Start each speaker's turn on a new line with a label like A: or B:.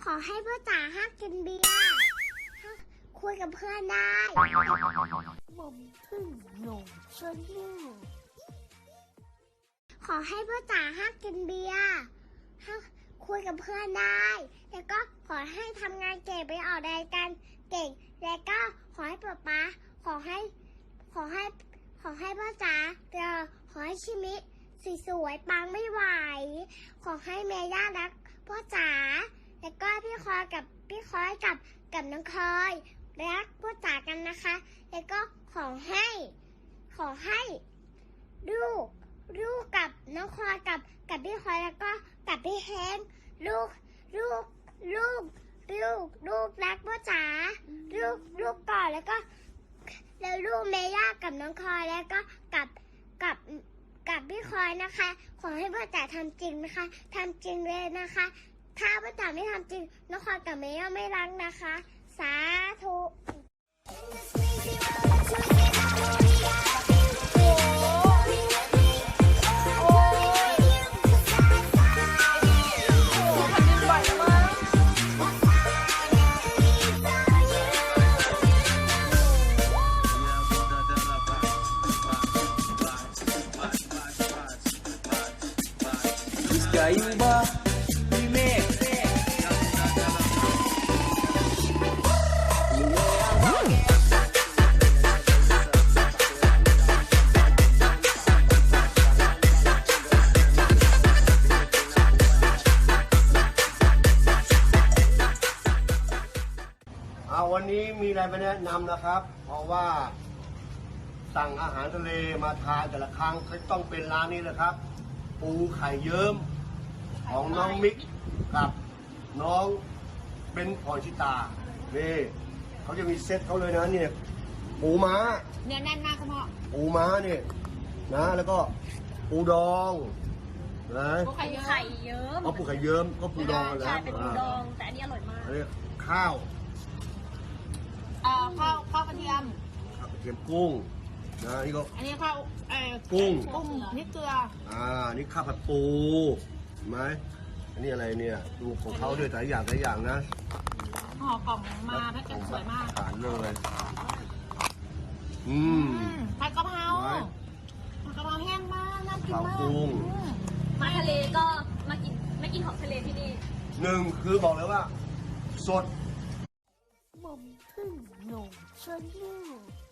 A: ขอให้พ่อจ๋าห้ามกินเบียร์คุยกับเพื่อนได้ผมพึ่งหนุ่มชวนหิ้วขอให้พ่อจ๋าห้ามกินเบียร์คุยกับเพื่อนได้แล้วก็ขอให้ทำงานเก่งไปออกรายการเก่งแล้วก็ขอให้ป๊าขอให้พ่อจ๋าขอให้ชิมิสวยๆปังไม่ไหวขอให้เมย่ารักพ่อจ๋าแล้วก็พี่คอยกับน้องคอยรักพ่อจ๋ากันนะคะแล้วก็ขอให้ลูกกับน้องคอยกับพี่คอยแล้วก็กับพี่แฮงลูกรักพ่อจ๋าลูกก่อนแล้วลูกเมย่ากับน้องคอยแล้วก็กับพี่คอยนะคะขอให้พ่อจ๋าทำจริงนะคะทำจริงเลยนะคะถ้าพ่อจ๋าไม่ทำจริงน้องคอยกับเมย่าไม่รักนะคะสาธุ
B: Kaiba, Remix.
C: วันนี้มีอะไรมาแนะนำนะครับเพราะว่าสั่งอาหารทะเลมาทานแต่ละครั้งก็ต้องเป็นร้านนี้เลยครับ ปูไข่เยิ้มของน้องมิกกับน้องเบนพรชิตานี่เขาจะมีเซตเขาเลยนะเนี่ยปูม้า
D: เนื้อแน่นมากคุณพ่อ
C: ปูม้าเนี่ยนะแล้วก็ปูดองนะ
D: ปูไข่เยิ้ม
C: เอาปูไข่เยิ้มก็ปูดองกันแล้ว
D: ใช่เป็นปูดองแต่อันนี้อร่อยมาก
C: อันนี้ข้าว
D: ข้าวกระเทียม
C: กระเทียมกุ้งนะนี่ก็
D: อันนี้ข้าว
C: กุ้ง
D: นี่เกลือ
C: นี่ข้าวผัดปูเห็นไหมอันนี้อะไรเนี่ยดูของเขาด้วยแต่ละอย่างนะ
D: ห่อกล่องมาแพ็คเกจสวยมาก
C: ทานเลย
D: ผัดกะเพราแห้งมากน่ากินมาก
A: มาทะเลก็มากินไม่กินของทะเลที่นี่
C: หนึ่งคือบอกเลยว่าสด
A: ผมพึ่งหนุ่มชวนหิ้ว